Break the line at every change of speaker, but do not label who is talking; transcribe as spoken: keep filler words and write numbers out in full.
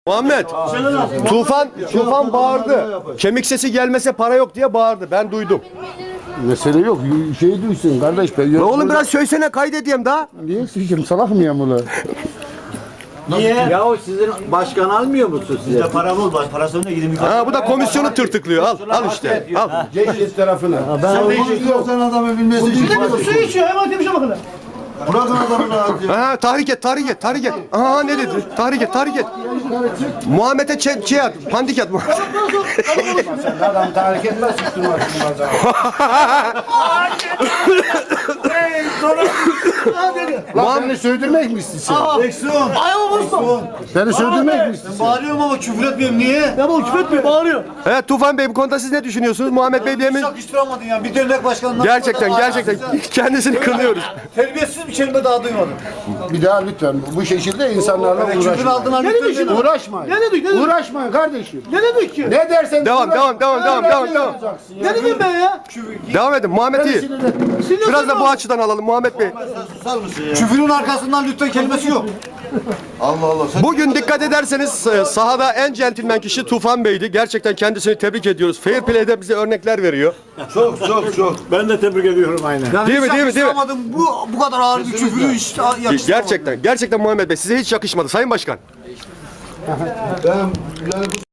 Muhammed, Tufan, Tufan bağırdı. Kemik sesi gelmese para yok diye bağırdı. Ben duydum.
Mesele yok. Şey duysun kardeş. Ben
Ne oğlum biraz söylesene kaydedeyim daha.
Niye sıkışım? Salak mıyım ulan?
Niye? Ya o sizin başkan almıyor musun size?
Bizde para bul, parasını da gidin.
Ha bu da komisyonu tırtıklıyor. Al, al işte. Al.
Geçiş tarafına.
Sen de istiyorsan adamı bilmesi için.
Su içiyor hemen temizle bakalım.
Bırakın adamı rahat ya.
Ha tahrik et, tahrik et, tahrik et. Aha ne dedi? Tahrik et, tahrik et. Muhammed'e çe şey at, pandik at.
Adam tahrik etmez. Sıkıştırmaz. Lan beni söydürmek mi istiyorsun?
Eksun.
Ayağımı vurma.
Beni söydürmek mi istiyorsun?
Bağırıyorum ama küfür etmiyorum. Niye?
Ya bu küfür etmiyor bağırıyor.
Evet Tufan Bey bu konuda siz ne düşünüyorsunuz? Muhammed Bey diye mi?
Yakıştıramadın ya. Bir dernek başkanından.
Gerçekten, gerçekten kendisini kınıyoruz.
Terbiyesiz bir kelime daha duymadım.
Bir daha lütfen bu şekilde insanlarla
Küfür
uğraşmayın.
aldığına lütfen.
Uğraşmayın.
Ne dedik, ne dedik?
Uğraşmayın kardeşim.
Ne dedik ki?
Ne dersen
Devam,
uğraş-
devam, devam, devam, devam, devam.
Olacaksın ya.
Ne dedim ben ya?
Devam edin Muhammed iyi. Biraz da bu açıdan alalım Muhammed Bey.
Küfürün arkasından lütfen kelimesi yok. Allah Allah. Sen
Bugün dikkat ederseniz e, sahada en centilmen kişi Tufan Bey'di. Gerçekten kendisini tebrik ediyoruz. Fair Play'de bize örnekler veriyor.
çok çok çok.
Ben de tebrik ediyorum aynen.
Yani
Değil mi,
hiç
değil mi, değil mi?
yakıştıramadım. Bu bu kadar ağır bir küfürü hiç yakıştıramadım.
Gerçekten, gerçekten Muhammed Bey size hiç yakışmadı Sayın Başkan.
Ben, yani